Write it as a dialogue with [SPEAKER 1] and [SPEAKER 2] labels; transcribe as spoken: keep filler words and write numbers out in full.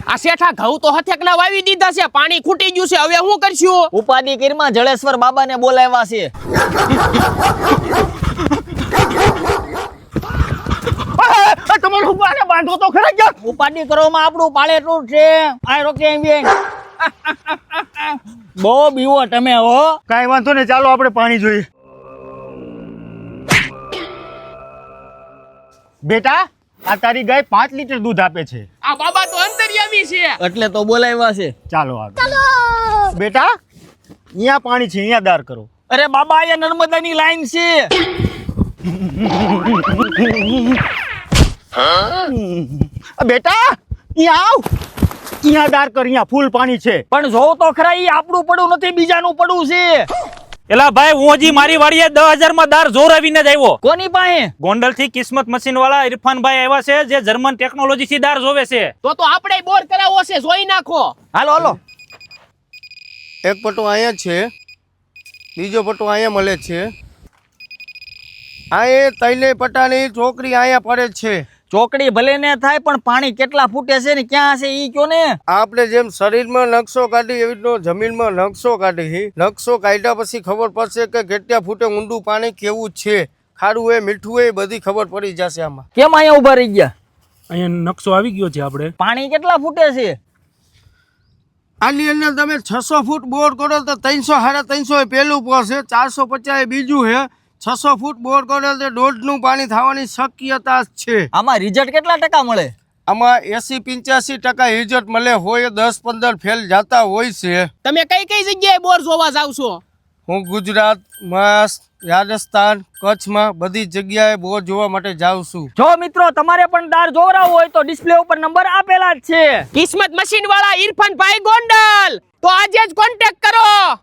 [SPEAKER 1] આ શેઠા ઘઉં તો હથેકના વાવી દીધા છે, પાણી ખૂટી ગયું છે, હવે શું કરશું?
[SPEAKER 2] ઉપાધિ કીરમાં જળેશ્વર બાબાને બોલાવ્યા છે.
[SPEAKER 3] તમારે ઉપાને બાંધો તો ખરા ગયા.
[SPEAKER 2] ઉપાધિ કરવામાં આપણું પાળેટું છે. આ રોકે એમ બેન. બહુ બીવો તમે હો.
[SPEAKER 3] કાંઈ વાંધો નહીં, ચાલો આપણે પાણી જોઈએ. બેટા, આ તારી ગાય પાંચ લીટર દૂધ આપે છે.
[SPEAKER 1] આ બાબા તો અંતર્યામી છે.
[SPEAKER 2] એટલે તો બોલાવ્યા છે.
[SPEAKER 3] ચાલો આગળ. બેટા, અહીંયા પાણી છે, અહીંયા દાર કરો.
[SPEAKER 2] અરે બાબા, અહીંયા નર્મદાની લાઈન છે.
[SPEAKER 3] બેટા, અહીંયા આવ. અહીંયા દાર કર, અહીંયા ફૂલ પાણી છે.
[SPEAKER 2] પણ જોવ તો ખરા, ઈ આપણું પડું નથી, બીજાનું પડું છે.
[SPEAKER 4] એલા ભાઈ, હું હજી મારી વાડીએ દસ હજાર માં દાર જોરાવીને જ આવ્યો.
[SPEAKER 2] કોની પાસે?
[SPEAKER 4] ગોંડલ થી કિસ્મત મશીન વાળા ઇરફાનભાઈ આવ્યા છે, જે જર્મન ટેકનોલોજી થી દાર જોવે છે.
[SPEAKER 1] તો તો આપણે બોર કરાવવો છે, જોઈ નાખો.
[SPEAKER 2] હાલો હાલો.
[SPEAKER 5] એક પટ્ટો અહીંયા છે, બીજો પટ્ટો અહીંયા મળે છે. આ એ તૈલે પટ્ટાની ચોકડી અહીંયા પડે છે.
[SPEAKER 2] ચોકડી ભલે ને થાય, પણ પાણી કેટલા ફૂટે છે ને ક્યાં હશે ઈ કયો ને.
[SPEAKER 5] આપણે જેમ શરીરમાં નકશો કાઢી એવી રીતનો જમીનમાં નકશો કાઢી. નકશો કાઢ્યા પછી ખબર પડશે કે કેટલા ફૂટે ઊંડું પાણી કેવું છે, ખારું હોય મીઠું હોય બધી ખબર પડી જશે આમાં.
[SPEAKER 2] કેમ અહીંયા ઉભા રહી ગયા?
[SPEAKER 4] અહીંયા નકશો આવી ગયો છે. આપણે
[SPEAKER 2] પાણી કેટલા ફૂટે છે?
[SPEAKER 5] આની અંદર તમે છસો ફૂટ બોર કરો તો ત્રણસો સાડા ત્રણસો પેલું પડશે, ચારસો પચાસ બીજું છે, છસો ફૂટ બોર કરો તો દોઢનું પાણી થવાની શક્યતા છે.
[SPEAKER 2] આમાં રિઝલ્ટ કેટલા ટકા મળે?
[SPEAKER 5] આમાં એસી પંચ્યાસી ટકા રિઝલ્ટ મળે હોય, દસ પંદર ફેલ જતા હોય છે.
[SPEAKER 1] તમે કઈ કઈ જગ્યાએ બોર જોવા જાવ છો?
[SPEAKER 5] હું ગુજરાત, મહારાષ્ટ્ર, રાજસ્થાન, કચ્છમાં બધી જગ્યાએ બોર જોવા માટે જાઉં છું.
[SPEAKER 2] જો મિત્રો, તમારે પણ દાર જોવરાવો હોય તો ડિસ્પ્લે ઉપર નંબર આપેલા જ છે.
[SPEAKER 1] કિસ્મત મશીન વાળા ઇરફાનભાઈ ગોંડલ, તો આજે જ કોન્ટેક્ટ કરો.